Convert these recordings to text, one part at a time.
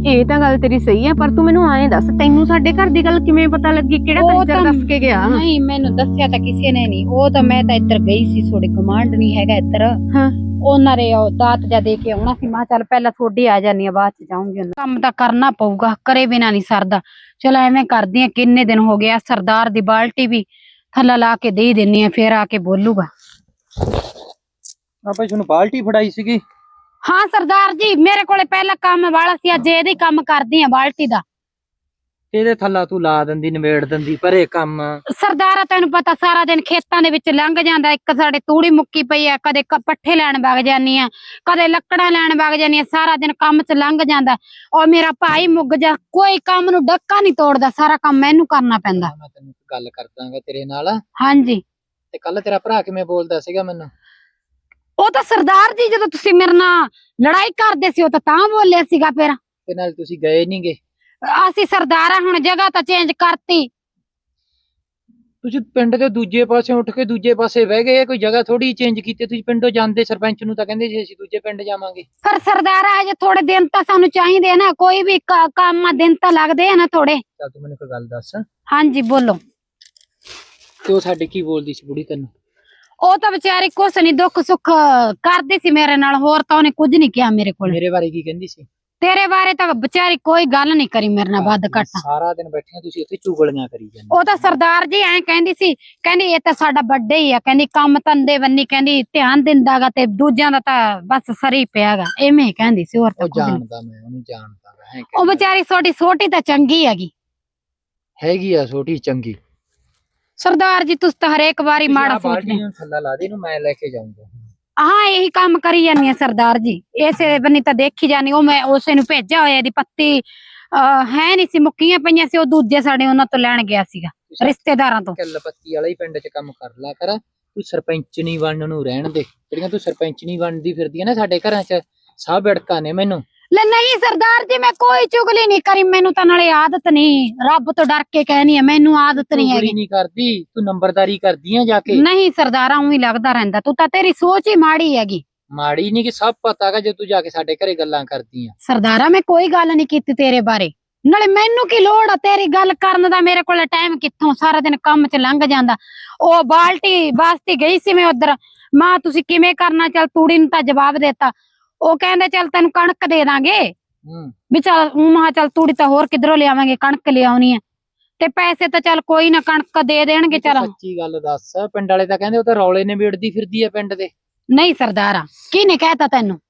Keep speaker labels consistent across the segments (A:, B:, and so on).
A: ਇਹ ਤਾਂ ਗੱਲ ਤੇਰੀ ਸਹੀ ਹੈ, ਪਰ ਤੂੰ ਮੈਨੂੰ ਐਂ ਦੱਸ, ਤੈਨੂੰ ਸਾਡੇ ਘਰ ਦੀ ਗੱਲ ਕਿਵੇਂ ਪਤਾ ਲੱਗੀ? ਕਿਹੜਾ ਕੰਜਰ ਦੱਸ ਕੇ ਗਿਆ?
B: ਨਹੀਂ, ਮੈਨੂੰ ਦੱਸਿਆ ਤਾਂ ਕਿਸੇ ਨੇ ਨਹੀਂ। ਉਹ ਤਾਂ ਮੈਂ ਤਾਂ ਇੱਧਰ ਗਈ ਸੀ, ਥੋੜੀ ਕਮਾਂਡ ਨਹੀਂ ਹੈਗਾ ਇੱਧਰ।
A: ਹਾਂ,
B: ਉਹਨਾਂ ਨੇ ਉਹ ਦਾਤ ਜਾ ਦੇ ਕੇ ਆਉਣਾ ਸੀ। ਮੈਂ ਚੱਲ ਪਹਿਲਾਂ ਥੋੜੀ ਆ ਜਾਨੀ ਆ, ਬਾਅਦ ਚ ਜਾਊਂਗੀ। ਕੰਮ ਤਾਂ ਕਰਨਾ ਪਊਗਾ, ਕਰੇ ਬਿਨਾ ਨਹੀਂ ਸਰਦਾ। ਚਲੋ ਐਵੇਂ ਕਰਦੀ ਆ, ਕਿੰਨੇ ਦਿਨ ਹੋ ਗਿਆ। ਸਰਦਾਰ ਦੀ ਬਾਲਟੀ ਵੀ ਥੱਲਾ ਲਾ ਕੇ ਦੇ ਦਿੰਨੀ ਆ, ਫੇਰ ਆ ਕੇ ਬੋਲੂਗਾ।
C: ਭਾਈ ਤੁਹਾਨੂੰ ਬਾਲਟੀ ਫੜਾਈ ਸੀਗੀ?
B: ਹਾਂ ਸਰਦਾਰ ਜੀ, ਮੇਰੇ ਕੋਲੇ ਪਹਿਲਾਂ ਕੰਮ ਵਾਲਾ ਸੀ, ਅੱਜ ਇਹਦੀ ਕੰਮ ਕਰਦੀ ਆ ਬਾਲਟੀ ਦਾ।
C: ਇਹਦੇ ਥੱਲਾ ਤੂੰ ਲਾ ਦਿੰਦੀ, ਨਿਬੇੜ ਦਿੰਦੀ ਪਰੇ ਕੰਮ।
B: ਸਰਦਾਰਾ ਤੈਨੂੰ ਪਤਾ ਸਾਰਾ ਦਿਨ ਖੇਤਾਂ ਦੇ ਵਿੱਚ ਲੰਘ ਜਾਂਦਾ। ਇੱਕ ਸਾਡੇ ਤੂੜੀ ਮੁੱਕੀ ਪਈ ਆ, ਕਦੇ ਪੱਠੇ ਲੈਣ ਵਗ ਜਾਨੀ ਆ, ਕਦੇ ਲੱਕੜਾਂ ਲੈਣ ਵਗ ਜਾਨੀ ਆ। ਸਾਰਾ ਦਿਨ ਕੰਮ 'ਚ ਲੰਘ ਜਾਂਦਾ। ਔਰ ਮੇਰਾ ਭਾਈ ਮੁੱਗ ਜਾ, ਕੋਈ ਕੰਮ ਨੂੰ ਡੱਕਾ ਨਹੀਂ ਤੋੜਦਾ, ਸਾਰਾ ਕੰਮ ਮੈਨੂੰ ਕਰਨਾ ਪੈਂਦਾ।
C: ਮੈਂ ਤੈਨੂੰ ਗੱਲ ਕਰਦਾਂਗਾ ਤੇਰੇ ਨਾਲ।
B: ਹਾਂਜੀ।
C: ਤੇ ਕੱਲ ਤੇਰਾ ਭਰਾ ਕਿਵੇਂ ਬੋਲਦਾ ਸੀਗਾ ਮੈਨੂੰ?
B: ਉਹ ਤਾਂ ਸਰਦਾਰ ਜੀ, ਜਦੋਂ ਤੁਸੀਂ ਮੇਰੇ ਨਾਲ ਲੜਾਈ ਕਰਦੇ ਸੀ, ਉਹ ਤਾਂ ਬੋਲਿਆ ਸੀਗਾ। ਫਿਰ
C: ਤੇ ਨਾਲ ਤੁਸੀਂ ਗਏ ਨੀ ਗੇ?
B: ਅਸੀਂ ਸਰਦਾਰਾ ਹੁਣ ਜਗ੍ਹਾ ਤਾਂ ਚੇਂਜ ਕਰਤੀ।
C: ਤੁਸੀਂ ਪਿੰਡ ਦੇ ਦੂਜੇ ਪਾਸੇ ਉੱਠ ਕੇ ਦੂਜੇ ਪਾਸੇ ਬਹਿ ਗਏ। ਕੋਈ ਜਗ੍ਹਾ ਥੋੜੀ ਚੇਂਜ ਕੀਤੀ? ਤੁਸੀਂ ਪਿੰਡੋਂ ਜਾਂਦੇ, ਸਰਪੰਚ ਨੂੰ ਤਾਂ ਕਹਿੰਦੇ ਸੀ ਅਸੀਂ ਦੂਜੇ ਪਿੰਡ ਜਾਵਾਂਗੇ।
B: ਪਰ ਸਰਦਾਰਾ ਅਜੇ ਥੋੜੇ ਦਿਨ ਤਾਂ ਸਾਨੂੰ ਚਾਹੀਦੇ ਆ ਨਾ, ਕੋਈ ਵੀ ਕੰਮ ਦਿਨ ਤਾਂ ਲੱਗਦੇ ਆ ਨਾ ਥੋੜੇ।
C: ਚੱਲ ਤੂੰ ਮੈਨੂੰ ਕੋਈ ਗੱਲ ਦੱਸ।
B: ਹਾਂਜੀ ਬੋਲੋ।
C: ਤੇ ਉਹ ਸਾਡੇ ਕੀ ਬੋਲਦੀ ਸੀ ਬੁੜੀ ਤੈਨੂੰ?
B: ਉਹ ਤਾਂ ਵਿਚਾਰੀ ਕੁਛ ਨੀ, ਦੁੱਖ ਸੁੱਖ ਕਰਦੀ ਸੀ ਮੇਰੇ ਨਾਲ, ਹੋਰ ਤਾਂ ਉਹਨੇ ਕੁਝ ਨਹੀਂ ਕਿਹਾ ਮੇਰੇ ਕੋਲ।
C: ਮੇਰੇ ਬਾਰੇ ਕੀ ਕਹਿੰਦੀ ਸੀ?
B: ਤੇਰੇ ਬਾਰੇ ਤਾਂ ਵਿਚਾਰੀ ਕੋਈ ਗੱਲ ਨਹੀਂ ਕਰੀ ਮੇਰੇ ਨਾਲ ਵੱਧ ਘੱਟ।
C: ਸਾਰਾ ਦਿਨ ਬੈਠੀਆਂ ਤੁਸੀਂ ਇੱਥੇ ਚੁਗਲੀਆਂ ਕਰੀ ਜਾਂਦੇ।
B: ਉਹ ਤਾਂ ਸਰਦਾਰ ਜੀ ਐਂ ਕਹਿੰਦੀ ਸੀ, ਕਹਿੰਦੀ ਇਹ ਤਾਂ ਸਾਡਾ ਵੱਡਾ ਹੀ ਆ, ਕਹਿੰਦੀ ਕੰਮ ਧੰਦੇ ਬੰਨੀ, ਕਹਿੰਦੀ ਧਿਆਨ ਦਿੰਦਾਗਾ ਤੇ ਦੂਜਿਆਂ ਦਾ ਤਾਂ ਬਸ ਸਰੀ ਪਿਆਗਾ, ਐਵੇਂ ਕਹਿੰਦੀ ਸੀ। ਹੋਰ ਤਾਂ ਕੁਝ ਨਹੀਂ।
C: ਜਾਣਦਾ ਮੈਂ ਉਹਨੂੰ, ਜਾਣਦਾ।
B: ਉਹ ਵਿਚਾਰੀ ਛੋਟੀ ਛੋਟੀ ਤਾਂ ਚੰਗੀ
C: ਹੈਗੀ ਆ ਛੋਟੀ ਚੰਗੀ।
B: ਸਰਦਾਰ ਜੀ ਤੁਸੀਂ ਤਾਂ ਹਰੇਕ ਵਾਰੀ ਮਾੜਾ ਸੋਚਦੇ।
C: ਥੱਲਾ ਲਾ ਦੇ ਇਹਨੂੰ, ਮੈਂ ਲੈ ਕੇ ਜਾਊਂਗਾ।
B: ਹਾਂ ਇਹੀ ਕੰਮ ਕਰੀ ਜਾਂਦੀ ਆ ਸਰਦਾਰ ਜੀ, ਇਸੇ ਬੰਨੀ ਤਾਂ ਦੇਖੀ ਜਾਨੀ। ਉਹ ਮੈਂ ਉਸੇ ਨੂੰ ਭੇਜਿਆ ਹੋਇਆ, ਦੀ ਪੱਤੀ ਹੈ ਨਹੀਂ ਸੀ, ਮੁੱਕੀਆਂ ਪਈਆਂ ਸੀ। ਉਹ ਦੂਜੇ ਸਾਡੇ ਉਹਨਾਂ ਤੋਂ ਲੈਣ ਗਿਆ ਸੀਗਾ, ਰਿਸ਼ਤੇਦਾਰਾਂ ਤੋਂ।
C: ਕਿੱਲ ਪੱਤੀ ਵਾਲਾ ਹੀ ਪਿੰਡ 'ਚ ਕੰਮ ਕਰ ਲਾ ਕਰ। ਤੂੰ ਸਰਪੰਚਣੀ ਬਣਨ ਨੂੰ ਰਹਿਣ ਦੇ। ਜਿਹੜੀਆਂ ਤੂੰ ਸਰਪੰਚਣੀ ਬਣਦੀ ਫਿਰਦੀ ਆ ਨਾ ਸਾਡੇ ਘਰਾਂ 'ਚ, ਸਭ ਅੜਕਾਂ ਨੇ ਮੈਨੂੰ।
B: ਲੈ ਨਹੀਂ ਸਰਦਾਰ ਜੀ, ਮੈਂ ਕੋਈ ਚੁਗਲੀ ਨਹੀਂ ਕਰੀ। ਮੈਨੂੰ ਤਾਂ ਨਾਲੇ ਆਦਤ ਨਹੀਂ, ਰੱਬ ਤੋਂ ਡਰ ਕੇ ਕਹਿਨੀ ਆ, ਮੈਨੂੰ ਆਦਤ ਨਹੀਂ ਹੈਗੀ।
C: ਨਹੀਂ ਕਰਦੀ ਤੂੰ, ਨੰਬਰਦਾਰੀ ਕਰਦੀ ਆ ਜਾ ਕੇ।
B: ਨਹੀਂ ਸਰਦਾਰਾ ਉਹੀ ਲੱਗਦਾ ਰਹਿੰਦਾ, ਤੂੰ ਤਾਂ, ਤੇਰੀ ਸੋਚ ਹੀ ਮਾੜੀ ਹੈਗੀ।
C: ਮਾੜੀ ਨਹੀਂ, ਕਿ ਸਭ ਪਤਾ ਹੈਗਾ ਜੇ ਤੂੰ ਜਾ ਕੇ ਸਾਡੇ ਘਰੇ ਗੱਲਾਂ ਕਰਦੀ ਆ।
B: ਸਰਦਾਰਾ ਮੈਂ ਕੋਈ ਗੱਲ ਨਹੀਂ ਕੀਤੀ ਤੇਰੇ ਬਾਰੇ, ਨਾਲੇ ਮੈਨੂੰ ਕੀ ਲੋੜ ਆ ਤੇਰੀ ਗੱਲ ਕਰਨ ਦਾ? ਮੇਰੇ ਕੋਲ ਟਾਈਮ ਕਿੱਥੋਂ, ਸਾਰਾ ਦਿਨ ਕੰਮ 'ਚ ਲੰਘ ਜਾਂਦਾ। ਉਹ ਬਾਲਟੀ ਵਾਸਤੇ ਗਈ ਸੀ ਮੈਂ ਉਧਰ, ਮਾਂ ਤੁਸੀਂ ਕਿਵੇਂ ਕਰਨਾ? ਚੱਲ ਤੂੜੀ ਨੂੰ ਤਾਂ ਜਵਾਬ ਦੇਤਾ। ਉਹ ਕਹਿੰਦੇ ਚੱਲ ਤੈਨੂੰ ਕਣਕ ਦੇ ਦਾਂਗੇ। ਵੀ ਚੱਲ ਮਹਾ ਚੱਲ ਤੂੜੀ ਤਾਂ ਹੋਰ ਕਿਧਰੋਂ ਲਿਆਵਾਂਗੇ, ਕਣਕ ਲਿਆਉਣੀ ਹੈ ਤੇ ਪੈਸੇ ਤਾਂ ਚੱਲ ਕੋਈ ਨਾ, ਕਣਕ ਦੇ ਦੇਣਗੇ। ਚੱਲ
C: ਸੱਚੀ ਗੱਲ ਦੱਸ, ਪਿੰਡ ਵਾਲੇ ਤਾਂ ਕਹਿੰਦੇ ਉਹ ਤਾਂ ਰੌਲੇ ਨਿਬੇੜਦੀ ਫਿਰਦੀ ਆ ਪਿੰਡ ਦੇ।
B: ਨਹੀਂ ਸਰਦਾਰਾ, ਕਿਹਨੇ ਕਹਿਤਾ ਤੈਨੂੰ?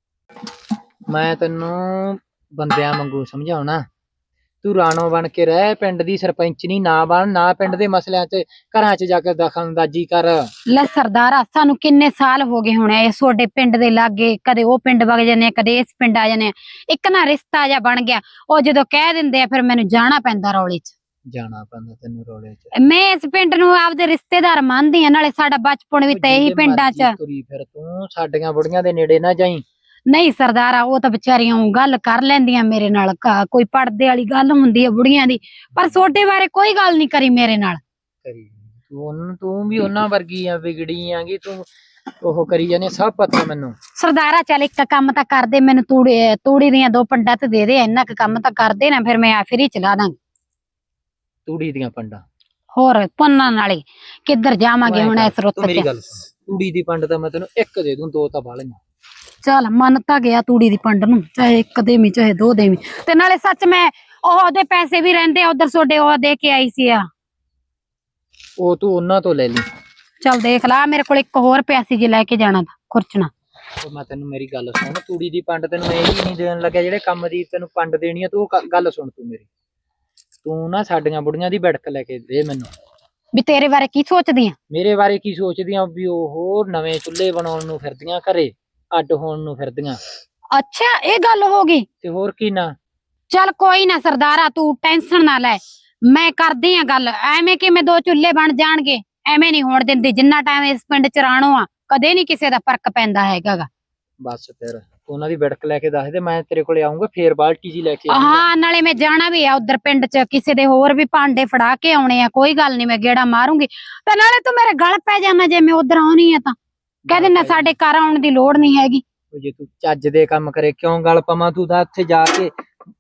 C: ਮੈਂ ਤੈਨੂੰ ਬੰਦਿਆਂ ਵਾਂਗੂ ਸਮਝਾਉਣਾ। ਤੂੰ ਰਾਣੋ ਬਣ ਕੇ ਰਹਿ, ਪਿੰਡ ਦੀ ਸਰਪੰਚਣੀ ਨਾ ਬਣ, ਨਾ ਪਿੰਡ ਦੇ ਮਸਲਿਆਂ 'ਚ ਘਰਾਂ 'ਚ ਜਾ ਕੇ ਦਖਲਅੰਦਾਜ਼ੀ ਕਰ। ਲੈ
B: ਸਰਦਾਰਾ, ਸਾਨੂੰ ਕਿੰਨੇ ਸਾਲ ਹੋ ਗਏ ਹੁਣ ਇਹ ਤੁਹਾਡੇ ਪਿੰਡ ਦੇ ਲਾਗੇ, ਕਦੇ ਉਹ ਪਿੰਡ ਵਗ ਜਾਂਦੇ ਆ, ਕਦੇ ਇਸ ਪਿੰਡ ਆ ਜਾਂਦੇ ਆ। ਇੱਕ ਨਾ ਰਿਸ਼ਤਾ ਜਿਹਾ ਬਣ ਗਿਆ, ਉਹ ਜਦੋਂ ਕਹਿ ਦਿੰਦੇ ਆ ਫਿਰ ਮੈਨੂੰ ਜਾਣਾ ਪੈਂਦਾ ਰੌਲੇ 'ਚ।
C: ਜਾਣਾ ਪੈਂਦਾ ਤੈਨੂੰ ਰੌਲੇ 'ਚ?
B: ਮੈਂ ਇਸ ਪਿੰਡ ਨੂੰ ਆਪਦੇ ਰਿਸ਼ਤੇਦਾਰ ਮੰਨਦੀ ਆ, ਨਾਲੇ ਸਾਡਾ ਬਚਪਨ ਵੀ ਤਾਂ ਇਹੀ ਪਿੰਡਾਂ 'ਚ।
C: ਤੁਰੀ ਫਿਰ ਤੂੰ, ਸਾਡੀਆਂ ਬੁੜੀਆਂ ਦੇ ਨੇੜੇ ਨਾ ਜਾਈ।
B: ਨਹੀਂ ਸਰਦਾਰਾ, ਉਹ ਤਾਂ ਵਿਚਾਰੀਆਂ ਗੱਲ ਕਰ ਲੈਂਦੀਆਂ ਮੇਰੇ ਨਾਲ, ਕੋਈ ਪੜਦੇ ਵਾਲੀ ਗੱਲ ਹੁੰਦੀ ਆ ਬੁੜੀਆਂ ਦੀ, ਪਰ ਛੋਟੇ ਬਾਰੇ ਕੋਈ ਗੱਲ ਨਹੀਂ ਕਰੀ ਮੇਰੇ ਨਾਲ।
C: ਤੂੰ ਵੀ ਉਹਨਾਂ ਵਰਗੀ ਆ, ਵਿਗੜੀ ਆਂਗੀ ਤੂੰ, ਉਹ ਕਰੀ ਜਾਨੇ, ਸਭ ਪਤਾ ਮੈਨੂੰ।
B: ਸਰਦਾਰਾ ਚੱਲ ਇੱਕ ਕੰਮ ਤਾਂ ਕਰਦੇ, ਮੈਨੂੰ ਤੂੜੀ ਦੀਆਂ 2 ਪੰਡਾਂ ਤੇ ਦੇ ਦੇ, ਇੰਨਾ ਕੁ ਕੰਮ ਤਾਂ ਕਰਦੇ ਨਾ, ਫਿਰ ਮੈਂ ਫਰੀ ਚਲਾ ਦਾਂਗੀ।
C: ਤੂੜੀ ਦੀਆਂ ਪੰਡਾਂ?
B: ਹੋਰ ਪੰਨਾਂ ਨਾਲੇ ਕਿੱਧਰ ਜਾਵਾਂਗੇ ਹੁਣ ਇਸ ਰੁੱਤ 'ਚ?
C: ਮੇਰੀ ਗੱਲ ਸੁਣ, ਤੂੜੀ ਦੀ ਪੰਡ ਤਾਂ ਮੈਂ ਤੈਨੂੰ 1 ਦੇ ਦੂੰ, 2 ਤਾਂ ਬਾਲੀਆਂ।
B: ਚੱਲ ਮੰਨ ਤਾਂ ਗਿਆ ਤੂੜੀ ਦੀ ਪੰਡ ਨੂੰ, ਚਾਹੇ 1 ਦੇਵੀਂ ਚਾਹੇ 2 ਦੇਵੀਂ। ਤੇ ਨਾਲੇ ਸੱਚ ਮੈਂ ਉਹਦੇ ਪੈਸੇ ਵੀ ਰਹਿੰਦੇ ਆ ਉਧਰ ਤੁਹਾਡੇ, ਉਹ ਦੇ ਕੇ ਆਈ ਸੀ ਆ।
C: ਉਹ ਤੂੰ ਉਹਨਾਂ ਤੋਂ ਲੈ ਲਈ।
B: ਚੱਲ ਦੇਖ ਲਾ, ਮੇਰੇ ਕੋਲ ਇੱਕ ਹੋਰ ਪੈਸੇ ਜੇ ਲੈ ਕੇ ਜਾਣਾ ਤਾਂ ਖੁਰਚਣਾ।
C: ਮੈਂ ਤੈਨੂੰ ਮੇਰੀ ਗੱਲ ਸੁਣ, ਤੂੜੀ ਦੀ ਪੰਡ ਤੈਨੂੰ ਇਹ ਹੀ ਨਹੀਂ ਦੇਣ ਲੱਗਿਆ, ਜਿਹੜੇ ਕੰਮ ਦੀ ਤੈਨੂੰ ਪੰਡ ਦੇਣੀ ਆ। ਤੂੰ ਗੱਲ ਸੁਣ ਤੂੰ ਮੇਰੀ, ਤੂੰ ਨਾ ਸਾਡੀਆਂ ਬੁੜੀਆਂ ਦੀ ਬੜਕ ਲੈ ਕੇ ਦੇ ਮੈਨੂੰ।
B: ਵੀ ਤੇਰੇ ਬਾਰੇ ਕੀ ਸੋਚਦੀ ਆ?
C: ਮੇਰੇ ਬਾਰੇ ਕੀ ਸੋਚਦੀ ਆ? ਵੀ ਉਹ ਨਵੇਂ ਚੁੱਲ੍ਹੇ ਬਣਾਉਣ ਨੂੰ ਫਿਰਦੀਆਂ, ਘਰੇ ਅੱਡ ਹੋਣ ਨੂੰ ਫਿਰਦੀਆਂ।
B: ਅੱਛਾ ਇਹ ਗੱਲ ਹੋ ਗਈ?
C: ਤੇ ਹੋਰ ਕੀ ਨਾ।
B: ਚੱਲ ਕੋਈ ਨਾ ਸਰਦਾਰਾ, ਤੂੰ ਟੈਨਸ਼ਨ ਨਾ ਲੈ, ਮੈਂ ਕਰਦੀ ਆ ਗੱਲ। ਐਵੇਂ ਕਿਵੇਂ 2 ਚੁੱਲ੍ਹੇ ਬਣ ਜਾਣਗੇ? ਐਵੇਂ ਨਹੀਂ ਹੋਣ ਦਿੰਦੀ। ਜਿੰਨਾ ਟਾਈਮ ਇਸ ਪਿੰਡ 'ਚ ਰਾਣੋ ਆ, ਕਦੇ ਨਹੀਂ ਕਿਸੇ ਦਾ ਫਰਕ ਪੈਂਦਾ ਹੈਗਾ।
C: ਬਸ ਫਿਰ ਉਹਨਾਂ ਦੀ ਬੜਕ ਲੈ ਕੇ ਦੱਸ ਦੇ, ਮੈਂ ਤੇਰੇ ਕੋਲੇ ਆਉਂਗਾ, ਫੇਰ ਬਾਲਟੀ ਜੀ ਲੈ ਕੇ
B: ਹਾਂ ਨਾਲੇ ਮੈਂ ਜਾਣਾ ਵੀ ਆ ਉਧਰ ਪਿੰਡ 'ਚ, ਕਿਸੇ ਦੇ ਹੋਰ ਵੀ ਭਾਂਡੇ ਫੜਾ ਕੇ ਆਉਣੇ ਆ। ਕੋਈ ਗੱਲ ਨਹੀਂ, ਮੈਂ ਗੇੜਾ ਮਾਰੂੰਗੀ। ਤੇ ਨਾਲੇ ਤੂੰ ਮੇਰੇ ਗਲ ਪੈ ਜਾਣਾ ਜੇ ਮੈਂ ਉਧਰ ਆਉਣੀ ਆ ਤਾਂ, ਕਹਿ ਦੇਣਾ ਸਾਡੇ ਘਰ ਆਉਣ ਦੀ ਲੋੜ ਨਹੀਂ ਹੈਗੀ।
C: ਜੇ ਤੂੰ ਚੱਜ ਦੇ ਕੰਮ ਕਰੇ ਕਿਉਂ ਗੱਲ ਪਵਾਂ? ਤੂੰ ਤਾਂ ਉੱਥੇ ਜਾ ਕੇ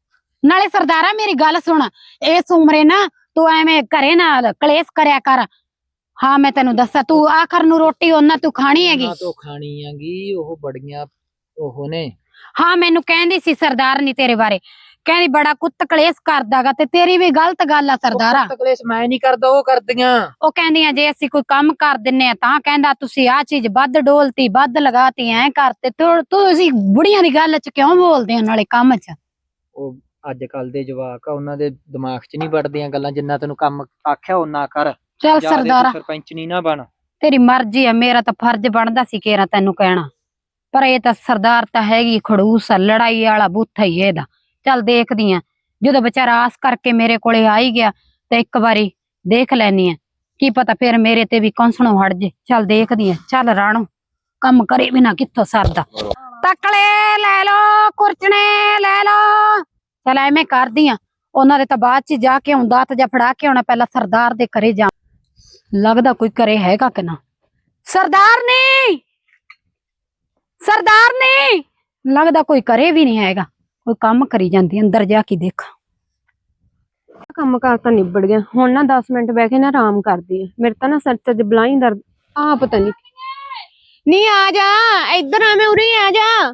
B: ਨਾਲੇ ਸਰਦਾਰਾ ਮੇਰੀ ਗੱਲ ਸੁਣ, ਇਸ ਉਮਰੇ ਨਾ ਤੂੰ ਐਵੇਂ ਘਰੇ ਨਾ ਕਲੇਸ਼ ਕਰਿਆ ਕਰ। ਹਾਂ ਮੈਂ ਤੈਨੂੰ ਦੱਸਾਂ, ਤੂੰ ਆਖਰ ਨੂੰ ਰੋਟੀ ਉਹਨਾਂ ਤੂੰ ਖਾਣੀ ਹੈਗੀ।
C: ਉਹਨਾਂ ਤੋਂ ਖਾਣੀ ਹੈਗੀ, ਉਹ ਬੜੀਆਂ ਉਹ ਨੇ।
B: ਹਾਂ ਮੈਨੂੰ ਕਹਿੰਦੀ ਸੀ ਸਰਦਾਰਨੀ ਤੇਰੇ ਬਾਰੇ, ਕਹਿੰਦੀ ਬੜਾ ਕੁੱਤ ਕਲੇਸ਼ ਕਰਦਾਗਾ, ਤੇ ਤੇਰੀ ਵੀ ਗਲਤ ਗੱਲ ਆ ਸਰਦਾਰਾ।
C: ਕਲੇਸ਼ ਮੈਂ ਨਹੀਂ ਕਰਦਾ, ਉਹ ਕਰਦੀਆਂ।
B: ਉਹ ਕਹਿੰਦੀਆਂ ਜੇ ਅਸੀਂ ਕੋਈ ਕੰਮ ਕਰ ਦਿੰਨੇ ਆ ਤਾਂ ਕਹਿੰਦਾ ਤੁਸੀਂ ਆ ਚੀਜ਼ ਵੱਧ ਡੋਲਤੀ, ਵੱਧ ਲਗਾਤੀ, ਐ ਕਰਤੇ। ਤੁਸੀਂ ਬੁੜੀਆਂ ਦੀ ਗੱਲ ਚ ਕਿਉਂ ਬੋਲਦੇ ਹੋ ਨਾਲੇ ਕੰਮ ਚ?
C: ਉਹ ਅੱਜ ਕੱਲ ਦੇ ਜਵਾਕ ਆ, ਉਹਨਾਂ ਦੇ ਦਿਮਾਗ 'ਚ ਨਹੀਂ ਵੜਦੀਆਂ ਗੱਲਾਂ। ਜਿੰਨਾ ਤੈਨੂੰ ਕੰਮ ਆਖਿਆ ਉਹਨਾਂ ਕਰ।
B: ਚੱਲ
C: ਜ਼ਿਆਦੇ ਤੂੰ
B: ਸਰਦਾਰਾ
C: ਸਰਪੰਚ ਨਹੀਂ ਨਾ ਬਣ।
B: ਤੇਰੀ ਮਰਜ਼ੀ ਆ, ਮੇਰਾ ਤਾਂ ਫਰਜ਼ ਬਣਦਾ ਸੀ ਕੇਰਾ ਤੈਨੂੰ ਕਹਿਣਾ, ਪਰ ਇਹ ਤਾਂ ਸਰਦਾਰ ਤਾਂ ਹੈਗੀ ਖੜੂਸ ਆ, ਲੜਾਈ ਵਾਲਾ ਬੂਥਾ ਹੀ ਇਹਦਾ। ਚੱਲ ਦੇਖਦੀ ਆ, ਜਦੋਂ ਵਿਚਾਰਾ ਆਸ ਕਰਕੇ ਮੇਰੇ ਕੋਲੇ ਆ ਹੀ ਗਿਆ ਤੇ ਇੱਕ ਵਾਰੀ ਦੇਖ ਲੈਣੀ ਆ, ਕੀ ਪਤਾ ਫਿਰ ਮੇਰੇ ਤੇ ਵੀ ਕੌਂਸਣੋਂ ਹਟ ਜੇ। ਚੱਲ ਦੇਖਦੀ ਆ। ਚੱਲ ਰਾਣੋ, ਕੰਮ ਕਰੇ ਬਿਨਾ ਕਿੱਥੋਂ ਸਰਦਾ। ਤਕਲੇ ਲੈ ਲੋ, ਕੁਰਚਣੇ ਲੈ ਲੋ। ਚੱਲ ਐਵੇਂ ਕਰਦੀ ਆ, ਉਹਨਾਂ ਦੇ ਤਾਂ ਬਾਅਦ ਚ ਜਾ ਕੇ ਆਉਂਦਾ ਤੇ ਜਾਂ ਫੜਾ ਕੇ ਆਉਣਾ, ਪਹਿਲਾਂ ਸਰਦਾਰ ਦੇ ਘਰੇ ਜਾ। ਲੱਗਦਾ ਕੋਈ ਘਰੇ ਹੈਗਾ ਕਿ ਨਾ। ਸਰਦਾਰ ਨੇ, ਸਰਦਾਰ ਨੇ, ਲੱਗਦਾ ਕੋਈ ਘਰੇ ਵੀ ਨਹੀਂ ਹੈਗਾ, ਕੋਈ ਕੰਮ ਕਰੀ ਜਾਂਦੀ। ਅੰਦਰ ਜਾ ਕੇ ਦੇਖ।
A: ਕੰਮ ਕਾਰ ਤਾਂ ਨਿਬੜ ਗਿਆ, ਹੁਣ ਨਾ 10 ਮਿੰਟ ਬਹਿ ਕੇ ਨਾ ਆਰਾਮ ਕਰਦੀ ਆ। ਮੇਰੇ ਤਾਂ ਨਾ ਸਿਰ ਚ ਬਲਾਈ ਦਰਦ ਆ, ਪਤਾ ਨਹੀਂ ਆ ਜਾ ਇੱਧਰ ਆ, ਮੈਂ ਉਰੇ ਆ ਜਾ।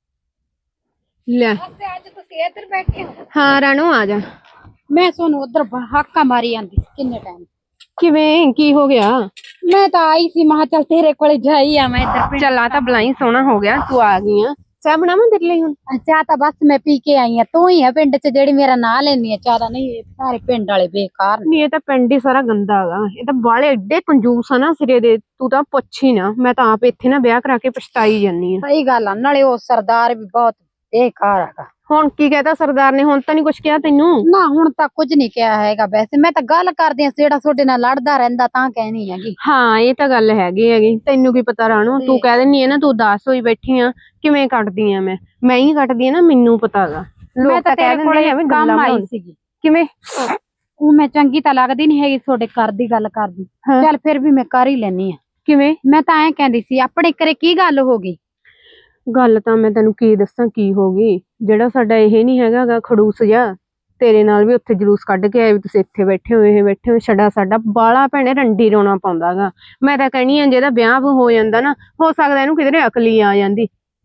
A: ਲੈ
B: ਅੱਜ ਤੁਸੀਂ ਇੱਧਰ ਬੈਠੇ ਹੋ?
A: ਹਾਂ ਰਾਣੋ ਆ ਜਾ।
B: ਮੈਂ ਸੋਨੂੰ ਉਧਰ ਹਾਕਾ ਮਾਰੀ ਜਾਂਦੀ ਸੀ ਕਿੰਨੇ ਟਾਈਮ।
A: ਕਿਵੇਂ, ਕੀ ਹੋ ਗਿਆ?
B: ਮੈਂ ਤਾਂ ਆਈ ਸੀ, ਮਹਾ ਚੱਲ ਤੇਰੇ ਕੋਲੇ ਜਾਈ ਆ ਮੈਂ ਇੱਧਰ।
A: ਚੱਲ ਆ ਤਾਂ ਬਲਾਈ ਸੋਹਣਾ ਹੋ ਗਿਆ, ਤੂੰ ਆ ਗਈ ਆ। ਚਾਹ ਬਣਾਵਾਂ ਤੇਰੇ ਲਈ ਹੁਣ?
B: ਚਾਹ ਤਾਂ ਬਸ ਮੈਂ ਪੀ ਕੇ ਆਈ ਆ, ਤੂੰ ਹੀ ਆ ਪਿੰਡ ਚ ਜਿਹੜੀ ਮੇਰਾ ਨਾਂ ਲੈਣੀ ਆ। ਚਾਹ ਦਾ ਨਹੀਂ, ਇਹ ਸਾਰੇ ਪਿੰਡ ਵਾਲੇ ਬੇਕਾਰ ਨੇ।
A: ਨਹੀਂ ਇਹ ਤਾਂ ਪਿੰਡ ਹੀ ਸਾਰਾ ਗੰਦਾ ਹੈਗਾ, ਇਹ ਤਾਂ ਬਾਲੇ ਏਡੇ ਕੰਜੂਸ ਆ ਨਾ ਸਿਰੇ ਦੇ, ਤੂੰ ਤਾਂ ਪੁੱਛ ਹੀ ਨਾ। ਮੈਂ ਤਾਂ ਆਪ ਇੱਥੇ ਨਾ ਵਿਆਹ ਕਰਾ ਕੇ ਪਛਤਾਈ ਜਾਨੀ ਆ।
B: ਸਹੀ ਗੱਲ ਆ, ਨਾਲੇ ਉਹ ਸਰਦਾਰ ਵੀ ਬਹੁਤ ਬੇਕਾਰ ਹੈਗਾ।
A: ਹੁਣ ਕੀ ਕਹਤਾ ਸਰਦਾਰ ਨੇ? ਹੁਣ ਤਾਂ ਨਹੀਂ ਕੁਛ ਕਿਹਾ ਤੈਨੂੰ?
B: ਨਾ ਹੁਣ ਤਾਂ ਕੁਝ ਨਹੀਂ ਕਿਹਾ ਹੈਗਾ, ਵੈਸੇ ਮੈਂ ਤਾਂ ਗੱਲ ਕਰਦੀ ਆ, ਜਿਹੜਾ ਤੁਹਾਡੇ ਨਾਲ ਲੜਦਾ ਰਹਿੰਦਾ ਤਾਂ ਕਹਿਣੀ ਹੈਗੀ।
A: ਹਾਂ ਇਹ ਤਾਂ ਗੱਲ ਹੈਗੀ। ਤੈਨੂੰ ਕੀ ਪਤਾ ਰਾਣੋ, ਤੂੰ ਕਹਿ ਦਿੰਨੀ ਆ ਨਾ ਤੂੰ ਉਦਾਸ ਹੋਈ ਬੈਠੀ ਆ, ਕਿਵੇਂ ਕੱਟਦੀ ਆ ਮੈਂ ਹੀ ਕੱਟਦੀ ਆ ਨਾ, ਮੈਨੂੰ ਪਤਾ ਹੈਗਾ।
B: ਮੈਂ ਤਾਂ ਤੇਰੇ ਕੋਲੇ ਕੰਮ ਆਈ ਸੀਗੀ।
A: ਕਿਵੇਂ?
B: ਉਹ ਮੈਂ ਚੰਗੀ ਤਾਂ ਲੱਗਦੀ ਨਹੀਂ ਹੈਗੀ ਤੁਹਾਡੇ ਘਰ ਦੀ ਗੱਲ ਕਰਦੀ, ਚੱਲ ਫਿਰ ਵੀ ਮੈਂ ਕਰ ਹੀ ਲੈਣੀ ਆ।
A: ਕਿਵੇਂ?
B: ਮੈਂ ਤਾਂ ਐਂ ਕਹਿੰਦੀ ਸੀ, ਆਪਣੇ ਘਰੇ ਕੀ ਗੱਲ ਹੋ ਗਈ?
A: ਗੱਲ ਤਾਂ ਮੈਂ ਤੈਨੂੰ ਕੀ ਦੱਸਾਂ ਕੀ ਹੋ ਗਈ। ਜਿਹੜਾ ਸਾਡਾ ਇਹ ਨਹੀਂ ਹੈਗਾ ਖੜੂਸ ਜਿਹਾ, ਤੇਰੇ ਨਾਲ ਵੀ ਉੱਥੇ ਜਲੂਸ ਕੱਢ ਕੇ ਆਏ ਵੀ ਤੁਸੀਂ ਇੱਥੇ ਬੈਠੇ ਹੋ, ਇਹ ਬੈਠੇ ਹੋ। ਛੜਾ ਸਾਡਾ ਬਾਲਾ ਭੈਣੇ ਰੰਡੀ ਰੋਣਾ ਪਾਉਂਦਾਗਾ। ਮੈਂ ਤਾਂ ਕਹਿਣੀ ਆ ਜਿਹਦਾ ਵਿਆਹ ਹੋ ਜਾਂਦਾ ਨਾ, ਹੋ ਸਕਦਾ ਇਹਨੂੰ ਕਿਧਰੇ ਅਕਲ ਹੀ ਆ ਜਾਂਦੀ।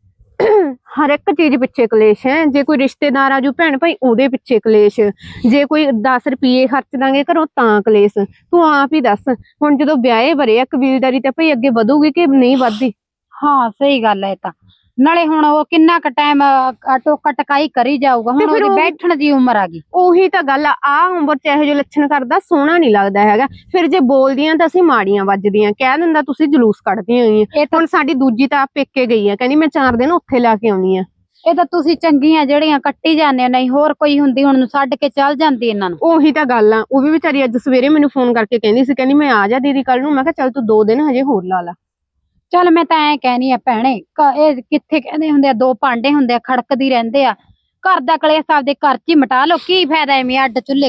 A: ਹਰ ਇੱਕ ਚੀਜ਼ ਪਿੱਛੇ ਕਲੇਸ਼ ਹੈ। ਜੇ ਕੋਈ ਰਿਸ਼ਤੇਦਾਰ ਆਜੂ ਭੈਣ ਭਾਈ, ਉਹਦੇ ਪਿੱਛੇ ਕਲੇਸ਼। ਜੇ ਕੋਈ 10 ਰੁਪਏ ਖਰਚ ਦਾਂਗੇ ਘਰੋਂ ਤਾਂ ਕਲੇਸ਼। ਤੂੰ ਆਪ ਹੀ ਦੱਸ, ਹੁਣ ਜਦੋਂ ਵਿਆਹੇ ਵਰੇ ਆ ਕਬੀਲਦਾਰੀ ਤੇ ਭਾਈ ਅੱਗੇ ਵਧੂਗੀ ਕਿ ਨਹੀਂ ਵੱਧਦੀ?
B: ਹਾਂ ਸਹੀ ਗੱਲ ਹੈ। ਤਾਂ ਨਾਲੇ ਹੁਣ ਉਹ ਕਿੰਨਾ ਕ ਟਾਈਮ ਟੋਕਾ ਟਕਾਈ ਕਰੀ ਜਾਊਗਾ, ਹੁਣ ਉਹਦੀ ਬੈਠਣ ਦੀ ਉਮਰ ਆ ਗਈ।
A: ਉਹੀ ਤਾਂ ਗੱਲ ਆ ਉਮਰ ਚ ਇਹੋ ਜਿਹੇ ਲੱਛਣ ਕਰਦਾ ਸੋਹਣਾ ਨਹੀਂ ਲੱਗਦਾ ਹੈਗਾ। ਫਿਰ ਜੇ ਬੋਲਦੀਆਂ ਤਾਂ ਅਸੀਂ ਮਾੜੀਆਂ ਵੱਜਦੀਆਂ, ਕਹਿ ਦਿੰਦਾ ਤੁਸੀਂ ਜਲੂਸ ਕੱਢਦੀਆਂ ਹੋਈਆਂ। ਹੁਣ ਸਾਡੀ ਦੂਜੀ ਤਾਂ ਪੇਕੇ ਗਈ ਆ, ਕਹਿੰਦੀ ਮੈਂ 4 ਦਿਨ ਉੱਥੇ ਲਾ ਕੇ ਆਉਣੀ ਆ।
B: ਇਹ ਤਾਂ ਤੁਸੀਂ ਚੰਗੀਆਂ ਜਿਹੜੀਆਂ ਕੱਟੀ ਜਾਂਦੇ, ਨਹੀਂ ਹੋਰ ਕੋਈ ਹੁੰਦੀ ਹੁਣ ਛੱਡ ਕੇ ਚੱਲ ਜਾਂਦੀ ਇਹਨਾਂ ਨੂੰ।
A: ਉਹੀ ਤਾਂ ਗੱਲ ਆ। ਉਹ ਵੀ ਵਿਚਾਰੀ ਅੱਜ ਸਵੇਰੇ ਮੈਨੂੰ ਫੋਨ ਕਰਕੇ ਕਹਿੰਦੀ ਸੀ, ਕਹਿੰਦੀ ਮੈਂ ਆ ਜਾ ਦੀਦੀ ਕੱਲ ਨੂੰ। ਮੈਂ ਕਿਹਾ ਚੱਲ ਤੂੰ 2 ਦਿਨ ਹਜੇ ਹੋਰ ਲਾ ਲਾ।
B: ਚੱਲ ਮੈਂ ਤਾਂ ਐ ਕਹਿਨੀ ਆ ਭੈਣੇ, ਇਹ ਕਿੱਥੇ ਕਹਿੰਦੇ ਹੁੰਦੇ ਆ, 2 ਭਾਂਡੇ ਹੁੰਦੇ ਆ ਖੜਕਦੀ ਰਹਿੰਦੇ ਆ। ਘਰ ਦਾ ਕਲੇਸ਼ ਆਪਦੇ ਘਰ ਚ ਹੀ ਮਿਟਾ ਲਓ, ਕੀ ਫਾਇਦਾ ਐਵੇਂ ਅੱਡ ਚੁੱਲ੍ਹੇ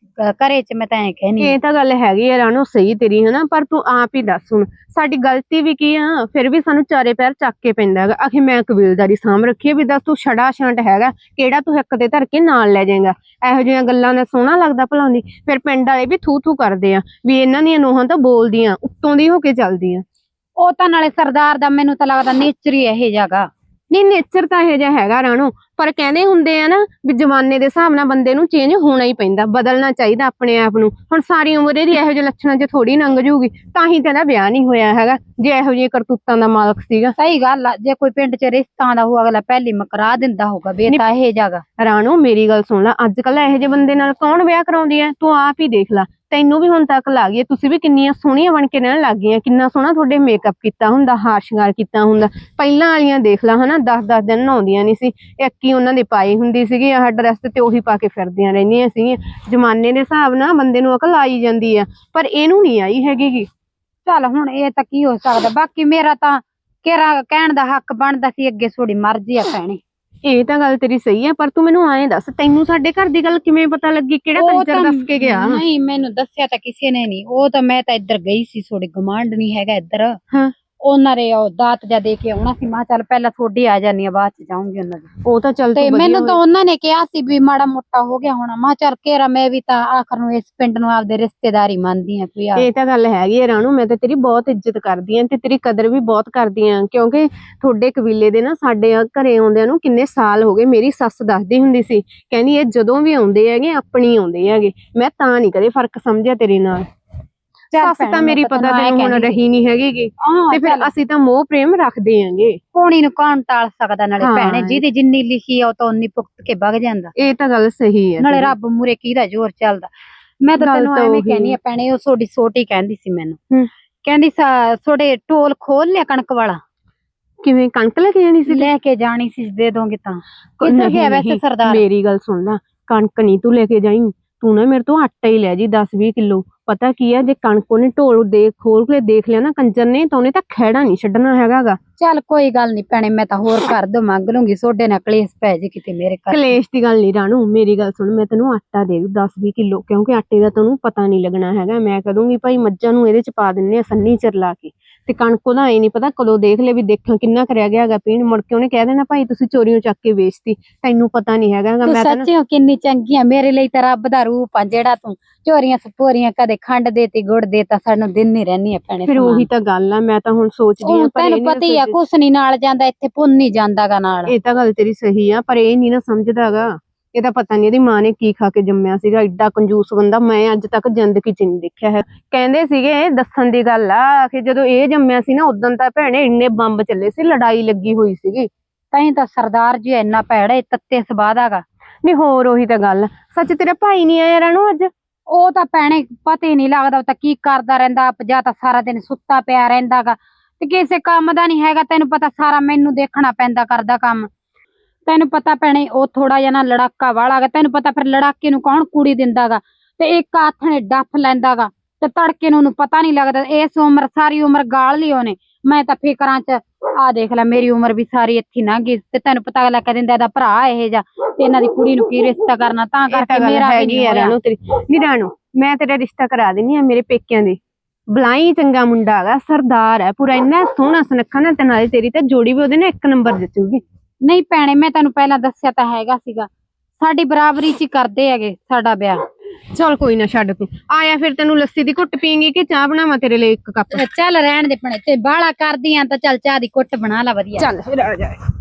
B: ਘਰੇ ਚ। ਮੈਂ ਤਾਂ ਐ ਕਹਿਨੀ
A: ਇਹ ਤਾਂ ਗੱਲ ਹੈਗੀ ਆ ਰਾਣੋ, ਸਹੀ ਤੇਰੀ ਹਨਾ। ਪਰ ਤੂੰ ਆਪ ਹੀ ਦੱਸ, ਹੁਣ ਸਾਡੀ ਗਲਤੀ ਵੀ ਕੀ ਆ? ਫਿਰ ਵੀ ਸਾਨੂੰ ਚਾਰੇ ਪੈਰ ਚੱਕ ਕੇ ਪੈਂਦਾ ਹੈਗਾ। ਆਖੇ ਮੈਂ ਕਬੀਲਦਾਰੀ ਸਾਂਭ ਰੱਖੀ ਹੈ ਵੀ ਦੱਸ ਤੂੰ ਛੜਾ ਛਾਂਟ ਹੈਗਾ ਕਿਹੜਾ ਤੂੰ ਹਿੱਕ ਤੇ ਧਰ ਕੇ ਨਾਲ ਲੈ ਜਾਏਗਾ? ਇਹੋ ਜਿਹੀਆਂ ਗੱਲਾਂ ਦਾ ਸੋਹਣਾ ਲੱਗਦਾ ਭਲਾਉਂਦੀ? ਫਿਰ ਪਿੰਡ ਵਾਲੇ ਵੀ ਥੂ ਥੂ ਕਰਦੇ ਆ ਵੀ ਇਹਨਾਂ ਦੀਆਂ ਨੂੰਹਾਂ ਤਾਂ ਬੋਲਦੀਆਂ, ਉੱਤੋਂ ਦੀ ਹੋ ਕੇ ਚੱਲਦੀਆਂ।
B: ਉਹ ਤਾਂ ਨਾਲੇ ਸਰਦਾਰ ਦਾ ਮੈਨੂੰ ਤਾਂ ਲੱਗਦਾ ਨੇਚਰ ਹੀ ਇਹ ਜਾਗਾ।
A: ਨਹੀਂ ਨੇਚਰ ਤਾਂ ਇਹੋ ਜਿਹਾ ਹੈਗਾ ਰਾਣੋ, ਪਰ ਕਹਿੰਦੇ ਹੁੰਦੇ ਆ ਨਾ ਵੀ ਜ਼ਮਾਨੇ ਦੇ ਹਿਸਾਬ ਨਾਲ ਬੰਦੇ ਨੂੰ ਚੇਂਜ ਹੋਣਾ ਹੀ ਪੈਂਦਾ, ਬਦਲਣਾ ਚਾਹੀਦਾ ਆਪਣੇ ਆਪ ਨੂੰ। ਹੁਣ ਸਾਰੀ ਉਮਰ ਇਹਦੀ ਇਹੋ ਜਿਹੇ ਲੱਛਣਾਂ 'ਚ ਥੋੜੀ ਲੰਘ ਜੂਗੀ, ਤਾਂ ਹੀ ਤਾਂ ਇਹਦਾ ਵਿਆਹ ਨਹੀਂ ਹੋਇਆ ਹੈਗਾ ਜੇ ਇਹੋ ਜਿਹੇ ਕਰਤੂਤਾਂ ਦਾ ਮਾਲਕ ਸੀਗਾ।
B: ਸਹੀ ਗੱਲ ਆ, ਜੇ ਕੋਈ ਪਿੰਡ 'ਚ ਰਿਸ਼ਤਾ ਦਾ ਹੋਊ ਅਗਲਾ ਪਹਿਲੀ ਮਕਰਾ ਦਿੰਦਾ ਹੋਊਗਾ ਵੀ ਇਹ ਤਾਂ ਇਹ ਜਾਗਾ।
A: ਰਾਣੋ ਮੇਰੀ ਗੱਲ ਸੁਣ ਲੈ, ਅੱਜ ਕੱਲ ਇਹੋ ਜਿਹੇ ਬੰਦੇ ਨਾਲ ਕੌਣ ਵਿਆਹ ਕਰਾਉਂਦੀ ਐ? ਤੂੰ ਆਪ ਹੀ ਦੇਖ ਲੈ, ਤੈਨੂੰ ਵੀ ਹੁਣ ਤੱਕ ਲੱਗ ਗਈ, ਤੁਸੀਂ ਵੀ ਕਿੰਨੀਆਂ ਸੋਹਣੀਆਂ ਬਣ ਕੇ ਰਹਿਣ ਲੱਗ ਗਈਆਂ। ਕਿੰਨਾ ਸੋਹਣਾ ਤੁਹਾਡੇ ਮੇਕਅਪ ਕੀਤਾ ਹੁੰਦਾ, ਹਾਰ ਸ਼ਿੰਗਾਰ ਕੀਤਾ ਹੁੰਦਾ। ਪਹਿਲਾਂ ਵਾਲੀਆਂ ਦੇਖ ਲਾ ਹਨਾ, 10-10 ਦਿਨ ਨਹਾਉਂਦੀਆਂ ਨਹੀਂ ਸੀ, ਇੱਕ ਹੀ ਉਹਨਾਂ ਦੇ ਪਾਈ ਹੁੰਦੀ ਸੀਗੀ ਆਹ ਡਰੈਸ, ਤੇ ਉਹੀ ਪਾ ਕੇ ਫਿਰਦੀਆਂ ਰਹਿੰਦੀਆਂ ਸੀਗੀਆਂ। ਜ਼ਮਾਨੇ ਦੇ ਹਿਸਾਬ ਨਾਲ ਬੰਦੇ ਨੂੰ ਅਕਲ ਆਈ ਜਾਂਦੀ ਆ, ਪਰ ਇਹਨੂੰ ਨਹੀਂ ਆਈ ਹੈਗੀ।
B: ਚੱਲ ਹੁਣ ਇਹ ਤਾਂ ਕੀ ਹੋ ਸਕਦਾ, ਬਾਕੀ ਮੇਰਾ ਤਾਂ ਕਿਹੜਾ ਕਹਿਣ ਦਾ ਹੱਕ ਬਣਦਾ ਸੀ, ਅੱਗੇ ਥੋੜੀ ਮਰਜ਼ੀ ਆ ਭੈਣੇ।
A: ਇਹ ਤਾਂ ਗੱਲ ਤੇਰੀ ਸਹੀ ਆ, ਪਰ ਤੂੰ ਮੈਨੂੰ ਐਂ ਦੱਸ, ਤੈਨੂੰ ਸਾਡੇ ਘਰ ਦੀ ਗੱਲ ਕਿਵੇਂ ਪਤਾ ਲੱਗੀ? ਕਿਹੜਾ ਕੰਜਰ ਦੱਸ ਕੇ ਗਿਆ?
B: ਨਹੀਂ ਮੈਨੂੰ ਦੱਸਿਆ ਤਾਂ ਕਿਸੇ ਨੇ ਨਹੀਂ, ਉਹ ਤਾਂ ਮੈਂ ਤਾਂ ਇੱਧਰ ਗਈ ਸੀ, ਥੋੜੀ ਗਮਾਂਡ ਨਹੀਂ ਹੈਗਾ ਇੱਧਰ,
A: ਹਾਂ
B: ਉਹਨਾਂ ਦੇ ਉਹ ਦਾਤ ਜਾ ਦੇ ਕੇ ਆਉਣਾ ਸੀ। ਮੈਂ ਕਿਹਾ ਚੱਲ ਪਹਿਲਾਂ ਥੋੜੀ ਆ ਜਾਨੀ ਆ, ਬਾਅਦ ਚ ਜਾਊਂਗੀ ਉਹਨਾਂ ਦੀ।
A: ਉਹ ਤਾਂ ਚੱਲ
B: ਤੇ
A: ਤੂੰ ਵਧੀਆ
B: ਮੈਨੂੰ ਤਾਂ
A: ਹੋਈ।
B: ਉਹਨਾਂ ਨੇ ਕਿਹਾ ਸੀ ਵੀ ਮਾੜਾ ਮੋਟਾ ਹੋ ਗਿਆ ਹੋਣਾ। ਮੈਂ ਕਿਹਾ ਚੱਲ ਕੇਰਾ ਮੈਂ ਵੀ ਤਾਂ ਆਖਰ ਨੂੰ ਇਸ ਪਿੰਡ ਨੂੰ ਆਪਦੇ ਰਿਸ਼ਤੇਦਾਰੀ ਮੰਨਦੀ ਆ ਕੋਈ ਆ।
A: ਇਹ ਤਾਂ ਗੱਲ ਹੈਗੀ ਹੈ ਰਾਣੂ, ਮੈਂ ਤਾਂ ਤੇਰੀ ਬਹੁਤ ਇੱਜ਼ਤ ਕਰਦੀ ਆਂ ਤੇ ਤੇਰੀ ਕਦਰ ਵੀ ਬਹੁਤ ਕਰਦੀ ਆਂ, ਕਿਉਂਕਿ ਤੁਹਾਡੇ ਕਬੀਲੇ ਦੇ ਨਾ ਸਾਡੇ ਘਰੇ ਆਉਂਦਿਆਂ ਨੂੰ ਕਿੰਨੇ ਸਾਲ ਹੋ ਗਏ। ਮੇਰੀ ਸੱਸ ਦੱਸਦੀ ਹੁੰਦੀ ਸੀ, ਕਹਿੰਦੀ ਇਹ ਜਦੋਂ ਵੀ ਆਉਂਦੇ ਹੈਗੇ ਆਪਣੀ ਆਉਂਦੇ ਹੈਗੇ। ਮੈਂ ਤਾਂ ਨਹੀਂ ਕਦੇ ਫਰਕ ਸਮਝਿਆ ਤੇਰੇ ਨਾਲ। ਸੱਸ
B: ਭੈਣੇ,
A: ਤਾਂ
B: ਮੈਂ
A: ਮੇਰੀ
B: ਤਾਂ
A: ਪਤਾ
B: ਤੈਨੂੰ
A: ਤੈਨੂੰ ਹੁਣ
B: ਕਹਿੰਦੀ
A: ਰਹੀ ਨਹੀਂ ਹੈਗੀ ਗੀ।
B: ਹਾਂ
A: ਤੇ ਫਿਰ
B: ਚੱਲ
A: ਅਸੀਂ ਤਾਂ ਮੋਹ ਪ੍ਰੇਮ ਰੱਖਦੇ ਆਂਗੇ।
B: ਕੋਣੀ ਨੂੰ ਕੌਣ ਟਾਲ ਸਕਦਾ। ਨਾਲੇ
A: ਹਾਂ।
B: ਭੈਣੇ ਜਿਹਦੀ ਜਿੰਨੀ ਲਿਖੀ ਆ ਉਹ ਤਾਂ ਉਨੀ ਭੁਗਤ ਕੇ ਵਗ ਜਾਂਦਾ।
A: ਇਹ ਤਾਂ ਗੱਲ ਸਹੀ ਹੈ
B: ਨਾਲੇ
A: ਤੇਰੀ।
B: ਰੱਬ ਮੂਰੇ ਕਿਹਦਾ ਜ਼ੋਰ ਚੱਲਦਾ। ਮੈਂ ਤਾਂ
A: ਗੱਲ
B: ਤੈਨੂੰ
A: ਤਾਂ
B: ਐਵੇਂ
A: ਉਹੀ
B: ਕਹਿਨੀ ਆ ਭੈਣੇ, ਉਹ ਤੁਹਾਡੀ ਛੋਟੀ ਕਹਿੰਦੀ ਸੀ ਮੈਨੂੰ,
A: ਹੂੰ।
B: ਕਹਿੰਦੀ ਤੁਹਾਡੇ ਢੋਲ ਖੋਲ ਲਿਆ ਕਣਕ ਵਾਲਾ,
A: ਕਿਵੇਂ ਕਣਕ ਲੈ ਕੇ ਜਾਣੀ ਸੀ?
B: ਲੈ ਕੇ ਜਾਣੀ ਸੀ, ਦੇ ਦੋਗੇ ਤਾਂ।
A: ਨਹੀਂ,
B: ਕਿੱਧਰ ਗਿਆ ਵੈਸੇ
A: ਨਹੀਂ,
B: ਸਰਦਾਰ?
A: ਮੇਰੀ ਗੱਲ ਸੁਣ ਲੈ, ਕਣਕ ਨਹੀਂ ਤੂੰ ਲੈ ਕੇ ਜਾਈਂ। ਤੂੰ ਨਾ ਮੇਰੇ ਤੋਂ ਆਟਾ ਹੀ ਲੈ ਜੀ 10-20 ਕਿਲੋ। ਪਤਾ ਕੀ ਹੈ, ਜੇ ਕਣਕ ਉਹਨੇ ਢੋਲ ਖੋਲ ਕੇ ਦੇਖ ਲਿਆ ਨਾ ਕੰਜਰ ਨੇ, ਤਾਂ ਉਹਨੇ ਤਾਂ ਖਹਿੜਾ ਨਹੀਂ ਛੱਡਣਾ ਹੈਗਾਗਾ।
B: ਚੱਲ ਕੋਈ ਗੱਲ ਨਹੀਂ ਭੈਣੇ, ਮੈਂ ਤਾਂ ਹੋਰ ਘਰ ਤੋਂ ਮੰਗ ਲੂੰਗੀ। ਸੋਡੇ ਨਾਲ ਕਲੇਸ਼ ਪੈ ਜੇ ਕਿਤੇ ਮੇਰੇ ਘਰ।
A: ਕਲੇਸ਼ ਦੀ ਗੱਲ ਨਹੀਂ ਰਾਣੂ, ਮੇਰੀ ਗੱਲ ਸੁਣ, ਮੈਂ ਤੈਨੂੰ ਆਟਾ ਦੇ ਦੂੰ 10-20 ਕਿਲੋ, ਕਿਉਂਕਿ ਆਟੇ ਦਾ ਤੈਨੂੰ ਪਤਾ ਨਹੀਂ ਲੱਗਣਾ ਹੈਗਾ। ਮੈਂ ਕਹਿ ਦੂੰਗੀ ਭਾਈ ਮੱਝਾਂ ਨੂੰ ਇਹਦੇ ਚ ਪਾ ਦਿੰਨੇ ਆ ਸੰਨੀ ਚਿਰ ਲਾ ਕੇ, ਤੇ ਕਣਕ ਉਹਦਾ ਐ ਨਹੀਂ ਪਤਾ ਕਦੋਂ ਦੇਖ ਲੈ ਵੀ ਦੇਖਾਂ ਕਿੰਨਾ ਕਰਿਆ ਗਿਆ ਹੈਗਾ ਪੀਣ, ਮੁੜ ਕੇ ਉਹਨੇ ਕਹਿ ਦੇਣਾ ਭਾਈ ਤੁਸੀਂ ਚੋਰੀਆਂ ਚੱਕ ਕੇ ਵੇਚਤੀ, ਤੈਨੂੰ ਪਤਾ ਨਹੀਂ ਹੈਗਾ।
B: ਤੂੰ
A: ਮੈਂ ਤਾਂ ਨਾ
B: ਸੱਚੀ ਕਿੰਨੀ ਚੰਗੀ ਆ, ਮੇਰੇ ਲਈ ਤਾਂ ਰੱਬ ਦਾ ਰੂਪ ਆ। ਜਿਹੜਾ ਤੂੰ ਚੋਰੀਆਂ ਸਪੋਰੀਆਂ ਕਦੇ ਖੰਡ ਦੇਤੀ ਗੁੜ ਦੇਤਾ, ਸਾਨੂੰ ਦਿਨ ਨਹੀਂ ਰਹਿਣੀ ਆ ਭੈਣੇ।
A: ਫਿਰ ਉਹੀ ਤਾਂ ਗੱਲ ਆ, ਮੈਂ ਤਾਂ ਹੁਣ ਸੋਚਦੀ ਆ, ਪਰ
B: ਤੈਨੂੰ
A: ਇਹ ਨੀ
B: ਪਤਾ ਹੀ ਆ ਕੁਛ ਨੀ ਨਾਲ ਜਾਂਦਾ, ਇੱਥੇ ਪੁੰਨ ਨਹੀਂ ਜਾਂਦਾਗਾ ਨਾਲ।
A: ਇਹ ਤਾਂ ਗੱਲ ਤੇਰੀ ਸਹੀ ਆ, ਪਰ ਇਹ ਨਹੀਂ ਨਾ ਸਮਝਦਾਗਾ। ਇਹ ਤਾਂ ਪਤਾ ਨਹੀਂ ਇਹਦੀ ਮਾਂ ਨੇ ਕੀ ਖਾ ਕੇ ਜੰਮਿਆ ਸੀਗਾ, ਐਡਾ ਕੰਜੂਸ ਬੰਦਾ ਮੈਂ ਅੱਜ ਤੱਕ ਜ਼ਿੰਦਗੀ ਚ ਨਹੀਂ ਦੇਖਿਆ ਹੈ। ਕਹਿੰਦੇ ਸੀਗੇ, ਦੱਸਣ ਦੀ ਗੱਲ ਆ ਕਿ ਜਦੋਂ ਇਹ ਜੰਮਿਆ ਸੀ ਨਾ ਉਦੋਂ ਤਾਂ ਭੈਣੇ ਇੰਨੇ ਬੰਬ ਚੱਲੇ ਸੀ, ਲੜਾਈ ਲੱਗੀ ਹੋਈ ਸੀਗੀ।
B: ਤੈਂ ਤਾਂ ਸਰਦਾਰ ਜੀ ਇੰਨਾ ਭੈੜਾ ਏ, ਤੱਤੇ ਸਵਾਦ ਹੈਗਾ।
A: ਨਹੀਂ ਹੋਰ ਉਹੀ ਤਾਂ ਗੱਲ। ਸੱਚ ਤੇਰਾ ਭਾਈ ਨਹੀਂ ਆਇਆ ਰਾਣੂ ਅੱਜ?
B: ਉਹ ਤਾਂ ਭੈਣੇ ਪਤਾ ਹੀ ਨਹੀਂ ਲੱਗਦਾ, ਉਹ ਤਾਂ ਕੀ ਕਰਦਾ ਰਹਿੰਦਾ, ਜਾਂ ਤਾਂ ਸਾਰਾ ਦਿਨ ਸੁੱਤਾ ਪਿਆ ਰਹਿੰਦਾਗਾ, ਤੇ ਕਿਸੇ ਕੰਮ ਦਾ ਨਹੀਂ ਹੈਗਾ। ਤੈਨੂੰ ਪਤਾ ਸਾਰਾ ਮੈਨੂੰ ਦੇਖਣਾ ਪੈਂਦਾ ਕਰਦਾ ਕੰਮ। ਤੈਨੂੰ ਪਤਾ ਭੈਣੇ ਉਹ ਥੋੜਾ ਜਿਹਾ ਨਾ ਲੜਾਕਾ ਵਾਲਾ ਗਾ। ਤੈਨੂੰ ਪਤਾ ਫਿਰ ਲੜਾਕੇ ਨੂੰ ਕੌਣ ਕੁੜੀ ਦਿੰਦਾਗਾ, ਤੇ ਇੱਕ ਹੱਥ ਨੇ ਡੱਫ ਲੈਂਦਾਗਾ, ਤੇ ਤੜਕੇ ਨੂੰ ਉਹਨੂੰ ਪਤਾ ਨਹੀਂ ਲੱਗਦਾ। ਇਸ ਉਮਰ ਸਾਰੀ ਉਮਰ ਗਾਲ ਲਈ ਉਹਨੇ। ਮੈਂ ਤਾਂ ਫਿਕਰਾਂ ਚ ਆ ਦੇਖ ਲੈ, ਮੇਰੀ ਉਮਰ ਵੀ ਸਾਰੀ ਇੱਥੇ ਲੰਘ ਗਈ, ਤੇ ਤੈਨੂੰ ਪਤਾ ਲੱਗ ਦਿੰਦਾ ਇਹਦਾ ਭਰਾ ਇਹ ਜਾ, ਤੇ ਇਹਨਾਂ ਦੀ ਕੁੜੀ ਨੂੰ ਕੀ ਰਿਸ਼ਤਾ ਕਰਨਾ। ਤਾਂ ਕਰਕੇ ਮੇਰਾ ਵੀ ਨਹੀਂ ਹੋਇਆ।
A: ਰਾਣੂ ਤੇਰੀ ਨਹੀਂ ਰਾਣੂ, ਮੈਂ ਤੇਰਾ ਰਿਸ਼ਤਾ ਕਰਾ ਦਿੰਨੀ ਆ ਮੇਰੇ ਪੇਕਿਆਂ ਦੇ। ਬਲਾਈ ਚੰਗਾ ਮੁੰਡਾ ਹੈਗਾ, ਸਰਦਾਰ ਹੈ ਪੂਰਾ, ਇੰਨਾ ਸੋਹਣਾ ਸੁਨੱਖਾ ਨਾ, ਤੇ ਨਾਲੇ ਤੇਰੀ ਤਾਂ ਜੋੜੀ ਵੀ ਉਹਦੇ ਨਾਲ ਇੱਕ ਨੰਬਰ ਜਚੂਗੀ।
B: ਨਹੀਂ ਭੈਣੇ, ਮੈਂ ਤੈਨੂੰ ਪਹਿਲਾਂ ਦੱਸਿਆ ਤਾਂ ਹੈਗਾ ਸੀਗਾ, ਸਾਡੀ ਬਰਾਬਰੀ ਚ ਹੀ ਕਰਦੇ ਹੈਗੇ ਸਾਡਾ ਵਿਆਹ।
A: ਚਲ ਕੋਈ ਨਾ ਛੱਡ, ਤੂੰ ਆਇਆ ਫਿਰ ਤੈਨੂੰ ਲੱਸੀ ਦੀ ਘੁੱਟ ਪੀਂਗੀ ਕਿ ਚਾਹ ਬਣਾਵਾਂ ਤੇਰੇ ਲਈ 1 ਕੱਪ?
B: ਚੱਲ ਰਹਿਣ ਦੇ ਭੈਣੇ, ਤੇ ਬਾਹਲਾ ਕਰਦੀ ਆ ਤਾਂ ਚੱਲ ਚਾਹ ਦੀ ਕੁੱਟ ਬਣਾ ਲਾ ਵਧੀਆ।
A: ਚੱਲ ਫਿਰ ਆ ਜਾ।